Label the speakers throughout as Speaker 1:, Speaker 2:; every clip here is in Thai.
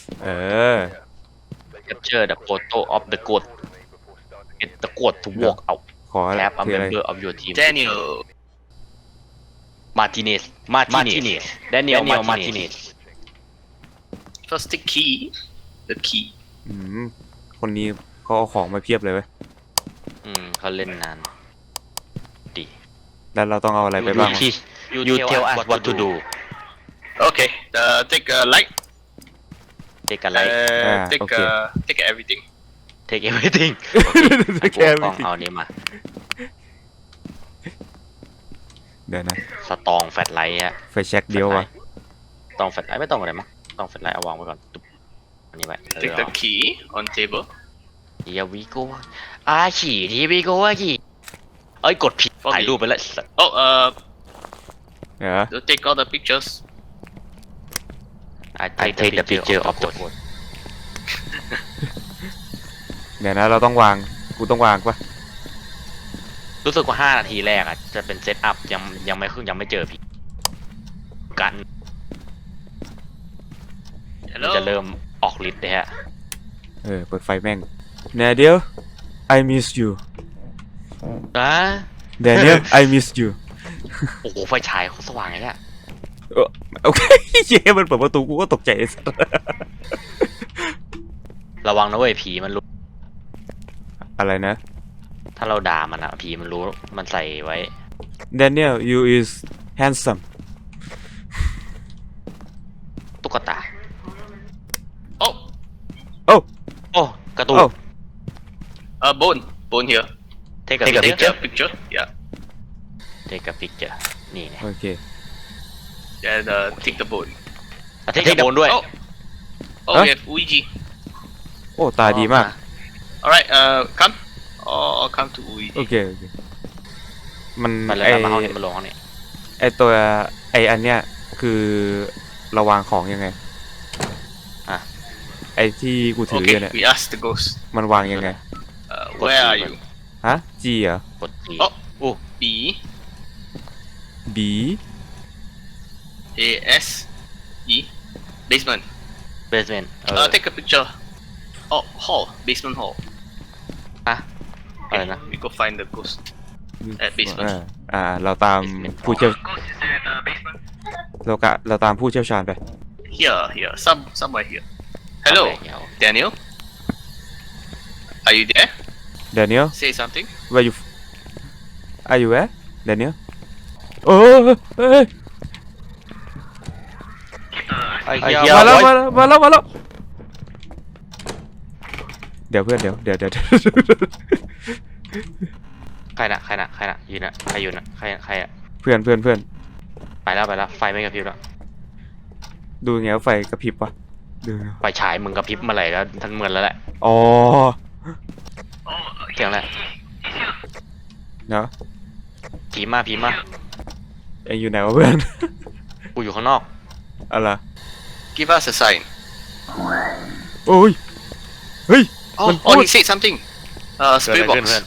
Speaker 1: เออ
Speaker 2: capture the photo of the goat get the goat to walk out
Speaker 1: ขออะไร
Speaker 2: tap a
Speaker 1: คืออะไร
Speaker 2: member of your team
Speaker 3: Daniel.
Speaker 2: Martinez Daniel Martinez
Speaker 3: First the key. The key.
Speaker 1: อืมคนนี้เขาเอาของมาเพียบเลยเว้ย
Speaker 2: เขาเล่นนาน ดี
Speaker 1: แล้วเราต้องเอาอะไรไปบ้างวะ
Speaker 2: you tell us what to do
Speaker 3: Okay. Take light.
Speaker 2: take a light
Speaker 3: Take
Speaker 1: okay.
Speaker 3: Take everything.
Speaker 2: take everything
Speaker 1: แค่
Speaker 2: กล้
Speaker 1: ไม่
Speaker 2: อง
Speaker 1: ติด
Speaker 2: เอานี้มา
Speaker 1: เดี๋ยวนะ
Speaker 2: สตองแฟลชไลท์ฮะ
Speaker 1: ไฟแช็กเดียววะ
Speaker 2: ต้องแฟลชไลท์ไม่ต้องอะไรมั้งต้องแฟลชไลท์เอาวางไว้ก่อนตุ๊บอันนี้ไว้
Speaker 3: Take the key on table.
Speaker 2: เฮียวิโก้ขี่ที่วิโก้ขี่เอ้ยกดผิดถ่ายรูปไปแล้ว
Speaker 3: Oh,
Speaker 1: เดี๋ยว
Speaker 3: you take all the pictures.
Speaker 2: I take the picture of the goat
Speaker 1: เดี๋ยวนะเราต้องวางกูต้องวางปะ
Speaker 2: รู้สึกว่า5 นาทีแรกอ่ะจะเป็นเซตอัพยังไม่เจอพี่กันมันจะ
Speaker 3: Hello.
Speaker 2: เริ่มออกฤทธิ์เลยฮะ
Speaker 1: เปิดไฟแม่ง Daniel I miss you
Speaker 2: อ่ะ
Speaker 1: Daniel I miss you
Speaker 2: โอ้โหไฟฉายเขาสว่างไงเนี่ย
Speaker 1: โอเคเย้มันเปิดประตูกูก็ตกใจไอ้สัส
Speaker 2: ระวังนะเว้ยผีมันรู้
Speaker 1: อะไรนะ
Speaker 2: ถ้าเราด่ามันอะผีมันรู้มันใส่ไว้
Speaker 1: Daniel you is handsome
Speaker 2: ตุ๊กตา
Speaker 3: Oh,
Speaker 1: โอ้
Speaker 2: โอ้การ์ตูน
Speaker 1: โอ้
Speaker 3: bone here.
Speaker 2: take a
Speaker 3: Take
Speaker 2: picture
Speaker 3: a picture. Yeah.
Speaker 2: take a picture นี่ไง
Speaker 1: โอเค
Speaker 3: Then take the bone.
Speaker 2: take a bone ด้วย
Speaker 3: Oh, oh,
Speaker 1: Huh?
Speaker 3: we have Ouija.
Speaker 1: โอ้ตาดีมาก
Speaker 3: All right. Come. Oh, come to Ouija.
Speaker 1: โอเคโอเคมัน
Speaker 2: มาเลย
Speaker 1: ไอ
Speaker 2: มาห้องนี้มาลงห้องนี้
Speaker 1: ไอตัวไออันเนี้ยคือระวางของยังไง
Speaker 2: อ่ะ
Speaker 1: ไอที่กูถืออ
Speaker 3: Okay.
Speaker 1: ยู่เนี่ย
Speaker 3: We ask the ghost.
Speaker 1: มันวางยังไง
Speaker 3: Where are you?
Speaker 1: ฮะ G เหรอก
Speaker 2: ด G
Speaker 3: โอ้
Speaker 2: อู้
Speaker 3: B
Speaker 1: B
Speaker 3: A S E. Basement.
Speaker 2: basement
Speaker 3: Take a picture. Oh, hall. Basement hall.
Speaker 2: อะอะไรนะ
Speaker 3: We go find the ghost. At basement.
Speaker 1: เราตาม
Speaker 2: Basement
Speaker 1: ผู้เชี่ยว
Speaker 3: Ghost is at the basement.
Speaker 1: เราตามผู้เชี่ยวชาญไป
Speaker 3: Here. Somewhere here. Hello,
Speaker 2: เดี๋ยว
Speaker 3: Daniel. Are you there?
Speaker 1: Daniel
Speaker 3: Say something.
Speaker 1: where you are you at Daniel โอ้ย
Speaker 2: ไอ้เหี้ย
Speaker 1: มาแล้ว
Speaker 2: ไว้
Speaker 1: มาแล้วเดี๋ยวเพื่อนเดี๋ยว
Speaker 2: ใครน่ะยืนน่ะใครอยู่น่ะใครอะ
Speaker 1: เพื่อน
Speaker 2: ไปแล้วไฟไม่กระพริบแล้ว
Speaker 1: ดูไงว่าไฟกระพริบวะดูไง
Speaker 2: ไฟฉายมึงกระพริบเมื่อไหร่ก็ทันเหมือนแล้วแหละ
Speaker 1: อ๋อ
Speaker 2: เสียงแหละ
Speaker 1: เนาะ
Speaker 2: ผีมา
Speaker 1: เอ็งอยู่ไหนวะเพื่อน
Speaker 2: กูอยู่ข้างนอก
Speaker 1: อะไร
Speaker 3: Give us a sign.
Speaker 1: โอ้ยเฮ้ย
Speaker 3: Oh,
Speaker 1: What?
Speaker 3: he said something.
Speaker 2: เกิดอะไร
Speaker 3: Spirit
Speaker 2: ขึ้น
Speaker 3: box.
Speaker 2: เพื่อน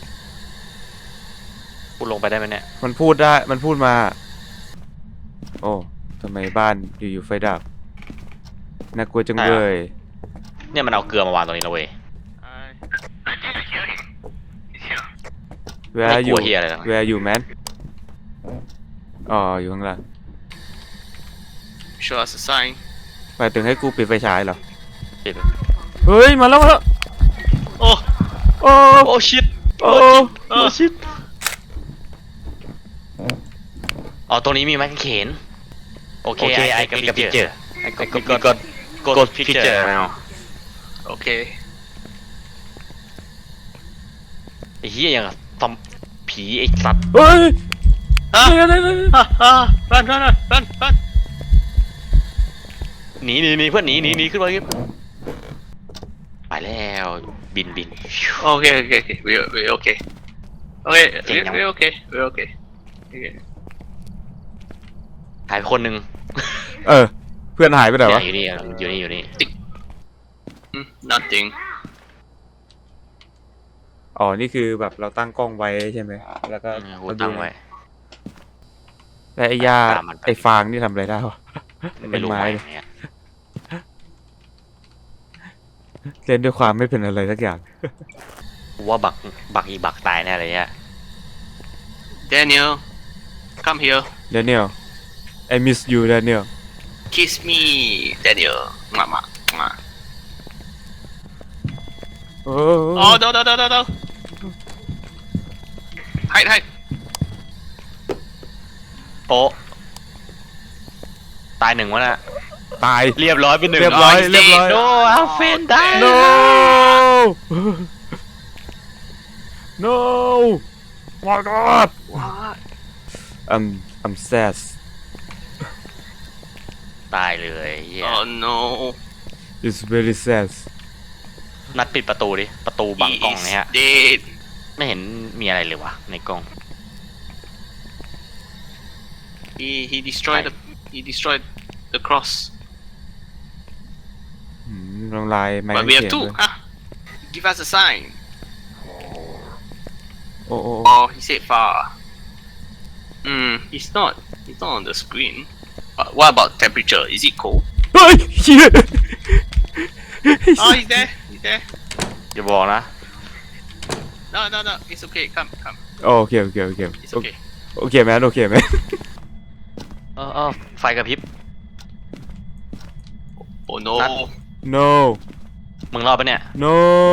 Speaker 2: กูลงไปได้ไหมเนี่ย
Speaker 1: มันพูดมา โอ้ทำไมบ้านอยู่ไฟดับน่ากลัวจังเลย
Speaker 2: เนี่ยมันเอาเกลือมาวางตรงนี้แล้วเว้ย
Speaker 3: I didn't hear him. He's here.
Speaker 1: Where
Speaker 2: ไม่
Speaker 1: are
Speaker 2: กลั
Speaker 1: you
Speaker 2: วเฮียอะไรหรอก
Speaker 1: Where are you man อ๋ออยู่ข้างล่าง
Speaker 3: Show us a sign.
Speaker 1: หมายถึงให้กูปิดไฟฉายเหรอ
Speaker 2: ปิดไป
Speaker 1: เฮ้ยมาแล้ว
Speaker 3: Oh,
Speaker 1: โอ้
Speaker 2: โอ้ชิต
Speaker 1: โอ้
Speaker 2: โอ้ชิตอ๋อตรงนี้มีไม้กางเขนโอเคไอ้กับพิกเจอร์ไอ้ก็กดพิกเจอร์แล้ว
Speaker 3: okay.
Speaker 2: ไอ้เฮียยังกับซอมผีไอ้สัตว์
Speaker 1: เฮ้ย
Speaker 3: Ah,
Speaker 1: เดี๋ยว
Speaker 3: run.
Speaker 2: หนีเพื่อนหนีขึ้นมาไปแล้วบิน
Speaker 3: Okay. We're okay. Okay,
Speaker 2: Chỉnh nhau.
Speaker 3: we're okay. Okay.
Speaker 2: หายไปคนหนึ่ง
Speaker 1: เพื่อนหายไปไหนวะ
Speaker 2: อยู่นี่
Speaker 3: Nothing.
Speaker 1: อ๋อนี่คือแบบเราตั้งกล้องไว้ใช่ไหมแล้วก็
Speaker 2: กูตั้งไว้
Speaker 1: แล้วไอ้หญ้า
Speaker 2: ตามมันไป
Speaker 1: ไอ้ฟางนี่ทำอะไรได้วะ
Speaker 2: ไม่รู้
Speaker 1: เป็นไม้
Speaker 2: ไม้
Speaker 1: เลย
Speaker 2: เนี่ย
Speaker 1: เล่นด้วยความไม่เป็นอะไรสักอย่าง
Speaker 2: กูว่าบักตายแน่เลยเนี่ย
Speaker 3: Daniel, come here.
Speaker 1: Daniel I miss you Daniel
Speaker 3: Kiss me, Daniel. Mama. Mwah.
Speaker 1: โอ้
Speaker 3: Oh, no. Hide.
Speaker 2: โป๊ะตายหนึ่งวะน่ะ
Speaker 1: ตาย
Speaker 2: เรียบร้อยเป็นหนึ่ง
Speaker 1: เรียบร้อยเรียบร้อย
Speaker 2: โนอาเฟนได้
Speaker 1: no no my god
Speaker 3: What?
Speaker 1: I'm sad
Speaker 2: ตายเลยเหี้ย
Speaker 3: Oh no.
Speaker 1: it's very sad
Speaker 2: นัดปิดประตูดิประตูบัง
Speaker 3: He
Speaker 2: กล้อง
Speaker 3: is
Speaker 2: เนี่ยฮะ
Speaker 3: dead.
Speaker 2: ไม่เห็นมีอะไรเลยวะในกล้อง
Speaker 3: He destroyed the cross.
Speaker 1: ลงลายไม้
Speaker 3: But we
Speaker 1: เขี
Speaker 3: have
Speaker 1: ยน
Speaker 3: two.
Speaker 1: ด้วย
Speaker 3: Huh? Give us a sign.
Speaker 1: โอ้โอ้
Speaker 3: Oh, he said far. He's not on the screen. What about temperature? Is it cold?
Speaker 1: เฮ้ยเหี้ย
Speaker 3: Oh, he's there. He's there.
Speaker 2: อย่าบอกนะ
Speaker 3: No. It's okay. Come.
Speaker 1: โอเค
Speaker 3: It's okay.
Speaker 1: โอเคแมนโอเคแมน
Speaker 2: ไฟกระพริบ
Speaker 3: Oh no.
Speaker 2: Not-
Speaker 1: no
Speaker 2: มึงรอดปะเนี่ย
Speaker 1: no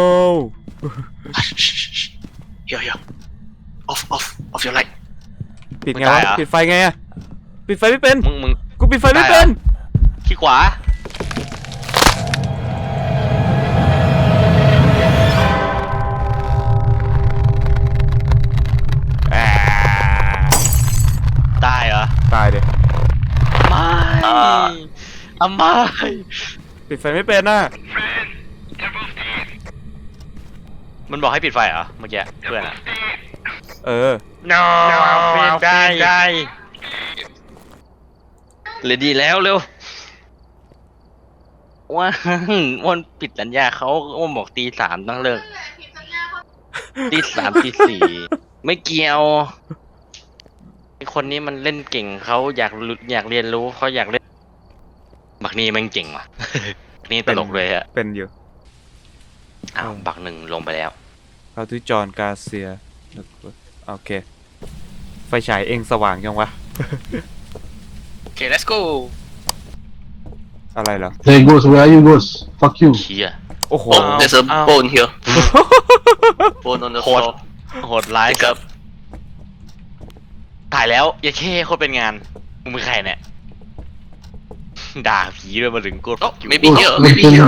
Speaker 3: Shh. Here. Off your light.
Speaker 1: ปิดไง
Speaker 2: ไม่ได้
Speaker 1: วะ
Speaker 2: เหรอ
Speaker 1: ปิดไฟไงอะปิดไฟไม่เป็น
Speaker 2: มึง
Speaker 1: กูปิดไฟไม่
Speaker 2: ได้เหรอ
Speaker 1: เป็น
Speaker 2: ขี้ขวา
Speaker 1: อ่า
Speaker 2: ตายเหรอ
Speaker 1: ตายเลย
Speaker 2: ไม่ไม่
Speaker 1: ปิดไฟไม่เป็นน่ะ
Speaker 2: มันบอกให้ปิดไฟเหรอเมื่อกี้เพื่อนอะ
Speaker 1: เออ
Speaker 2: no ได้เลยดีแล้วเร็วว่าวันปิดสัญญาเขาว่าบอกตี 3ต้องเลิกตี 3ตี 4ไม่เกี่ยวไอคนนี้มันเล่นเก่งเขาอยากเรียนรู้เขาอยากเล่นบักนี่มันเก่งว่ะ นี่ตลกเลยอะ
Speaker 1: เป็นอยู่
Speaker 2: อ้าวบักหนึ่งลงไปแล้ว
Speaker 1: เขาที่จอห์นกาเซียโอเค ไฟฉายเองสว่างยังวะ
Speaker 3: Okay, let's go.
Speaker 1: อะไรเหรอ
Speaker 4: Hey ghost, where are you ghost? Fuck you.
Speaker 2: เชีย
Speaker 1: โอ้โห
Speaker 3: Oh, there's a bone here. Bone on the
Speaker 2: Hold.
Speaker 3: floor.
Speaker 2: โหดร้าย
Speaker 3: Pick up.
Speaker 2: ถ่ายแล้วอย่าเช่โคตรเป็นงานมึงเป็นใครเนี่ย ด่าผีด้วยมาถึงกู
Speaker 3: Oh, maybe
Speaker 4: Ghost,
Speaker 3: here.
Speaker 4: don't
Speaker 3: Maybe
Speaker 4: kill
Speaker 3: here.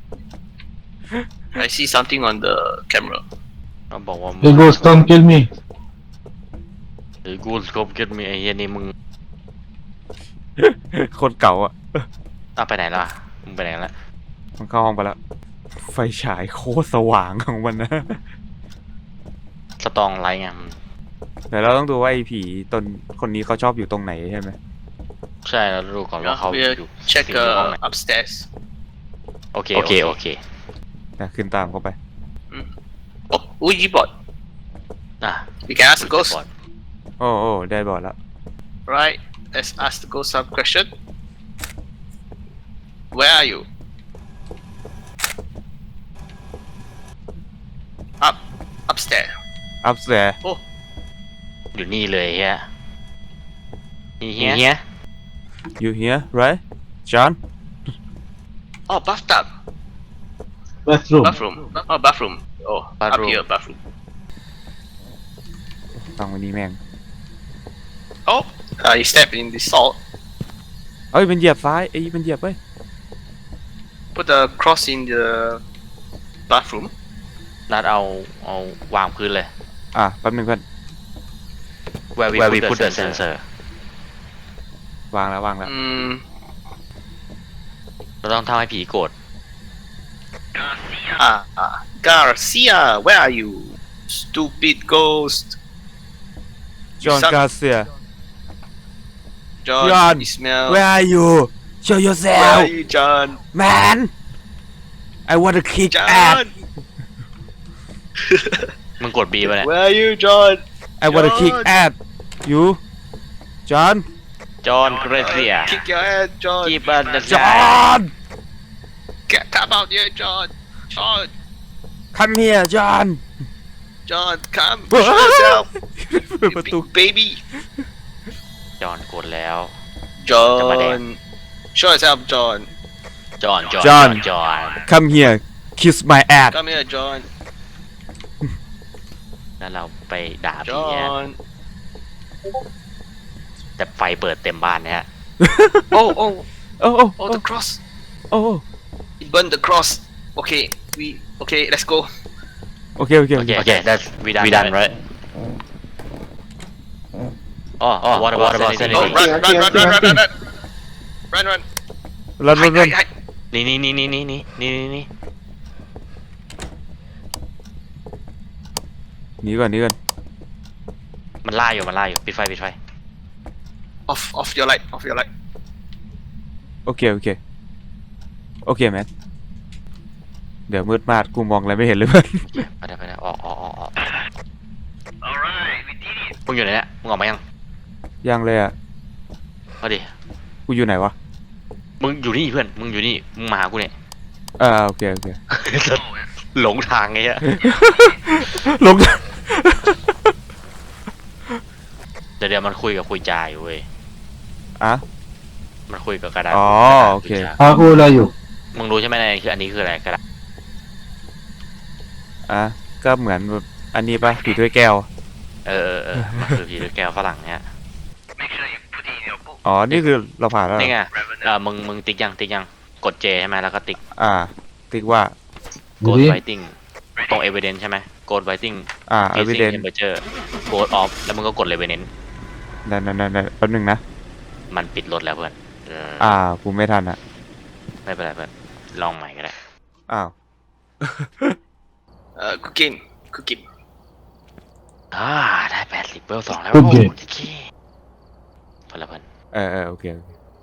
Speaker 4: me.
Speaker 3: I see something on the camera.
Speaker 2: เราบอกว่า
Speaker 4: Hey ghost, come kill me.
Speaker 2: หรือกูสกบเกิดมีไอ้เหี้ยนี่มึง
Speaker 1: คนเก่าอ่ะ
Speaker 2: เอาไปไหนล่ะมึงไปไหนละ
Speaker 1: มันเข้าห้องไปแล้ว ไฟฉายโคตรสว่างของมันนะ
Speaker 2: สตองไลท์ไง
Speaker 1: แต่เราต้องดูว่าไอ้ผีตนคนนี้เขาชอบอยู่ตรงไหนใช่ไหม
Speaker 2: ใช่แล้วดูก่อนว่าเขา
Speaker 3: We'll
Speaker 2: อยู่
Speaker 3: check
Speaker 2: อยู่ห้องไหน
Speaker 3: upstairs.
Speaker 2: โอเค
Speaker 1: นะขึ้นตามเขาไป
Speaker 3: Oh, Ouija board.
Speaker 2: อ่ะ
Speaker 3: We can ask the ghost.
Speaker 1: โอ้ได้บอดแล้ว
Speaker 3: Right. Let's ask the ghost some question. Where are you? Upstairs.
Speaker 1: อัพแส
Speaker 3: Oh,
Speaker 2: อยู่นี่เลยเฮียนี่เฮีย
Speaker 1: you here right John
Speaker 3: oh, bathtub.
Speaker 4: Bathroom.
Speaker 3: Bathroom. Oh, bathroom. Oh,
Speaker 2: Bathroom.
Speaker 3: up here, bathroom.
Speaker 1: ฟังวันนี้แม่ง
Speaker 3: Oh, you step in the salt.
Speaker 1: เอ้ยมันเหยียบซ้ายไอ้ยมันเหยียบเว้ย
Speaker 3: Put the cross in the bathroom.
Speaker 2: นัดเอาวางพื้นเลย
Speaker 1: อ่ะแป๊บนึงเพื่อน
Speaker 2: where we put the sensor
Speaker 1: วางแล้ว
Speaker 2: เราต้องทำให้ผีโกรธ
Speaker 3: Garcia, where are you? Stupid ghost.
Speaker 1: John
Speaker 3: Suck.
Speaker 1: Garcia
Speaker 3: John,
Speaker 1: John,
Speaker 3: you smell.
Speaker 1: where are you show
Speaker 3: Where
Speaker 1: yourself
Speaker 3: are you, John?
Speaker 1: man I want to kick ass
Speaker 3: John,
Speaker 2: มึงกด B ป่ะเนี่ย
Speaker 3: where are you, John?
Speaker 1: I want to kick
Speaker 3: John.
Speaker 1: ass you John
Speaker 2: จอห์นเกรเซีย
Speaker 3: Kick your ass, John.
Speaker 2: จีบัน
Speaker 1: John
Speaker 3: Come out here, John. John,
Speaker 1: come here John
Speaker 3: John, come. Show yourself.
Speaker 1: เปิดประตู
Speaker 3: Big baby.
Speaker 2: จอนกดแล้ว
Speaker 3: John. Show yourself, John.
Speaker 2: จอน
Speaker 1: come here kiss my ass
Speaker 3: Come here, John.
Speaker 2: แล้วเราไปด่าผีเนี่ย
Speaker 3: John.
Speaker 2: แต่ไฟเปิดเต็มบ้านเนี่ย
Speaker 3: Oh, oh,
Speaker 1: โอ้โอ้
Speaker 3: oh, the cross.
Speaker 1: โอ้
Speaker 3: It burned the cross. Okay, okay, let's go.
Speaker 1: โอเคโอเค
Speaker 2: โอเค that's we done right อ๋อ what about
Speaker 3: Oh,
Speaker 2: sanity
Speaker 3: run, run, run, run, run, run, run, run. Run, run.
Speaker 1: รันรัน
Speaker 3: Hide,
Speaker 1: รัน
Speaker 3: hide, hide.
Speaker 2: นี่
Speaker 1: หนีก่อนหนีก่อน
Speaker 2: มันล่าอยู่ปิดไฟ
Speaker 3: Off your light, off your light.
Speaker 1: โอเคโอเคโอเคแมทเดี๋ยวมืดมากกูมองอะไรไม่เห็นเลยเพื่อน
Speaker 2: ไปได้ออก
Speaker 3: Alright, we did it.
Speaker 2: มึงอยู่ไหนเนี่ยมึงออกมายัง
Speaker 1: ยังเลยอ่ะ
Speaker 2: เอาดิ
Speaker 1: กูอยู่ไหนวะ
Speaker 2: มึงอยู่นี่เพื่อนมึงอยู่นี่มึงมาหากูเนี่ย
Speaker 1: โอเคโอเค
Speaker 2: หลงทางไงฮะ
Speaker 1: ลง
Speaker 2: เดี๋ยวมันคุยจาอยู่เว้ย
Speaker 1: อ่ะ
Speaker 2: มันคุยกับกระดาษ
Speaker 1: อ๋อ
Speaker 2: กระดาษ
Speaker 1: โอเค
Speaker 2: คุยจา
Speaker 4: How old are you?
Speaker 2: มึงรู้ใช่ไหมในคืออันนี้คืออะไรกระดาษ
Speaker 1: ก็เหมือนแบบอันนี้ปะผีถ้วยแก้ว
Speaker 2: มันคือผีด้วยแก้วฝรั่งเนี่ย
Speaker 3: Make sure you put it in your book.
Speaker 1: อ๋อนี่คือเราผ่านแล้วเหรอ
Speaker 2: นี่ไงมึงติ๊กยังกด J ใช่ไหมแล้วก็ติ๊ก
Speaker 1: ติ๊กว่า
Speaker 2: Ghost
Speaker 4: Really?
Speaker 2: Fighting ตรง Evidence ใช่ไหม Ghost Fighting
Speaker 1: evidence
Speaker 2: Temperature Ghost Off แล้วมึงก็กด Revenant
Speaker 1: นั่นแป๊บนึงนะ
Speaker 2: มันปิดรถแล้วเพื่อน
Speaker 1: กูไม่ทันอ่ะ
Speaker 2: ไม่เป็นไรเพื่อนลองใหม่ก็ได้
Speaker 1: อ้าว
Speaker 3: Cooking.
Speaker 2: ได้80เวล2แล้ว
Speaker 4: Good game
Speaker 2: โอเคพอแล้วเพื่อน
Speaker 1: โอเค